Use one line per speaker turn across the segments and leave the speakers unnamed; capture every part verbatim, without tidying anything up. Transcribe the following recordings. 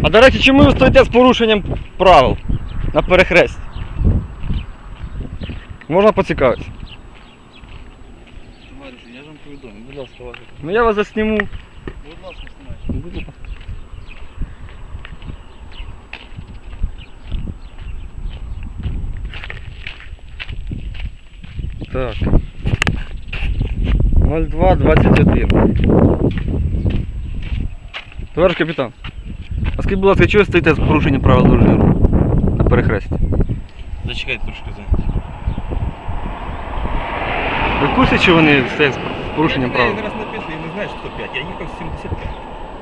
А до речі, чому ви стоїте з порушенням правил на перехресті? Можна поцікавитися?
Я ж вам повідомлю, будь ласка, ваше.
Ну я вас засніму.
Будь ласка, знімайте.
Будь ласка. Так. ноль два двадцять один. Товариш капітан, а скажіть, будь ласка, чого ви стоїте з порушенням правил дорожнього руху на перехресті?
Зачекайте трошки за.
Ви в курсі, що вони стоять з порушенням
Я
правил?
не раз написано, я не знаю, що сто п'ять, я їхав сімдесят п'ять.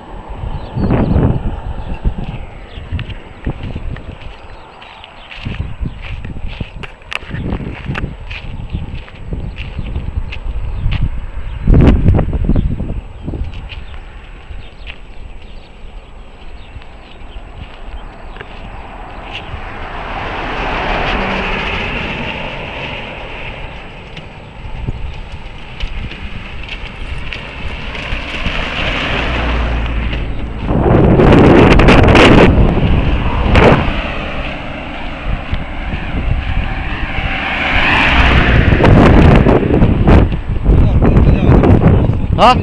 А?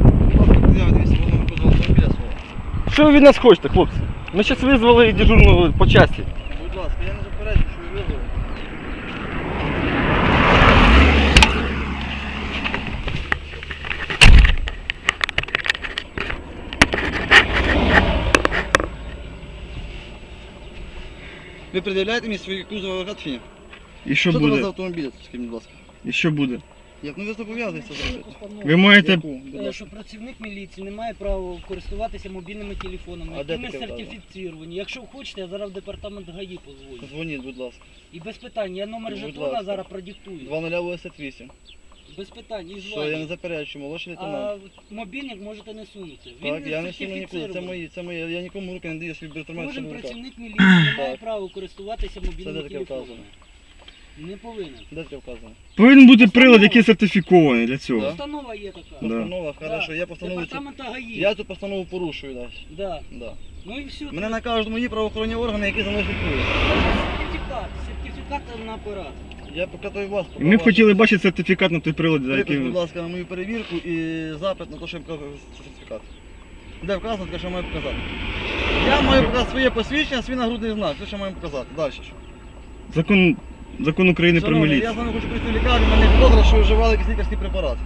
Що ви від нас хочете, хлопці? Ми зараз визвали дежурного по часті.
Будь ласка, я не заперечую, що ви визвали. Ви пред'являєте мені свої кузови гатфіні?
І що
Що це у вас за
буде?
автомобіль, скажіть, будь ласка?
І що буде?
Як ну ви зобов'язуєтеся зробити?
Ви маєте...
Яку? Будь
Е,
ласка.
Що працівник міліції не має права користуватися мобільними телефонами,
А де
які ми
таке вказано?
сертифіціровані. Якщо хочете, я зараз в департамент ГАІ позвоню.
Дзвоніть, будь ласка.
І без питань, я номер
Будь
жетона
ласка.
зараз продиктую.
два нуль вісімдесят вісім.
Без питань, і
Що, я не
звання.
заперечую, молодший лейтенант.
А мобільник можете не сунути.
Так,
Він
я не суну нікуди, це
сертифіцірований.
мої, це мої, я нікому руки не даю, свій інструмент
Кожен
в руках.
працівник міліції не має
Так.
права користуватися
Це
мобільними
де таке
телефонами.
вказано?
Не повинен.
Де таке вказано?
Повинен бути прилад, який сертифікований для цього.
Да?
Постанова є така.
Да.
Постанова, хорошо,
Да.
я постанову цю...
Департамента ГАІ.
Я цю постанову порушую далі.
Да.
Да.
Ну і все.
Мене накажуть мої правоохоронні органи, які за мною слідкують.
Сертифікат. Сертифікат на апарат.
Я покатаю вас.
І ми б хотіли бачити сертифікат на той прилад, за
Припис,
який...
будь ласка, на мою перевірку і запит на те, що я показую сертифікат. Де вказано, таке, що я маю показати. Я маю показати своє посвідчення, свій нагрудний знак, все, що маю показати. Далі що?
Закон... Закон України про
Шановний,
міліцію.
я з вами хочу прийти в лікарню, мене підозра, що ви вживали якийсь лікарський препарат.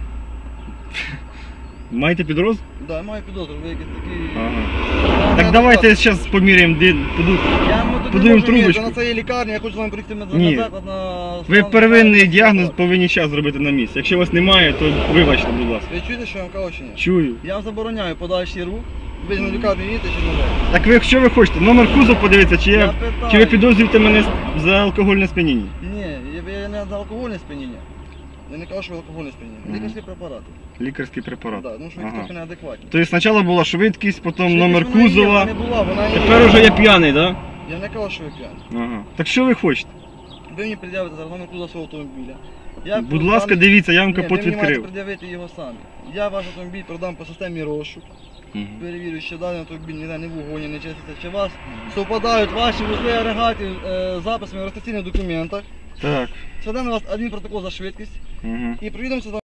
Маєте підрозділ?
Так, да, я маю підозру, ви якісь такі...
Ага. Так давайте зараз поміряємо, де подуть.
Я ми тут не
Подуємо
можу міряти,
трубочку.
на це є лікарня, я хочу з вами прийти на
Ні.
заклад на...
Ви
стан-
первинний
стан-
діагноз повинні зараз зробити на місці. Якщо вас немає, то вибачте, будь ласка.
Ви чуєте, що я вам кажу чи ні?
Чую.
Я вам забороняю подальший рух, ви на лікарню їдете чи не можете.
Так ви що ви хочете? Номер кузов подивитися, чи,
Я
я...
питаю.
чи ви підозрюєте мене за алкогольне сп'яніння?
Ні, я, я не за алкогольне сп'яніння. Я не кажу, що ви алкогольне сп'яніння.
Мгм.
Лікарські препарати.
Лікарський препарат.
Да, ну що ви
Ага.
трохи неадекватні.
Тобто спочатку була швидкість, потім
Швидкість
номер
вона є,
кузова,
вона не була, вона є.
тепер уже я п'яний, так?
Я не кажу, що ви п'яні.
Ага. Так що ви хочете?
Ви мені пред'явите зараз номер кузова свого автомобіля. Я
Будь
продам-
ласка, дивіться, я вам
Ні,
капот
ви мені маєте
відкрив.
пред'явити його самі. Я ваш автомобіль продам по системі розшук.
Мгм.
Перевірю, що даний автомобіль ніде не в угоні, не чиститься. Чи у вас совпадають ваші вузли агрегатів е, з записами в реєстраційних документах.
Так.
Складемо на вас адмінпротокол за швидкість
Угу.
і приїдемо з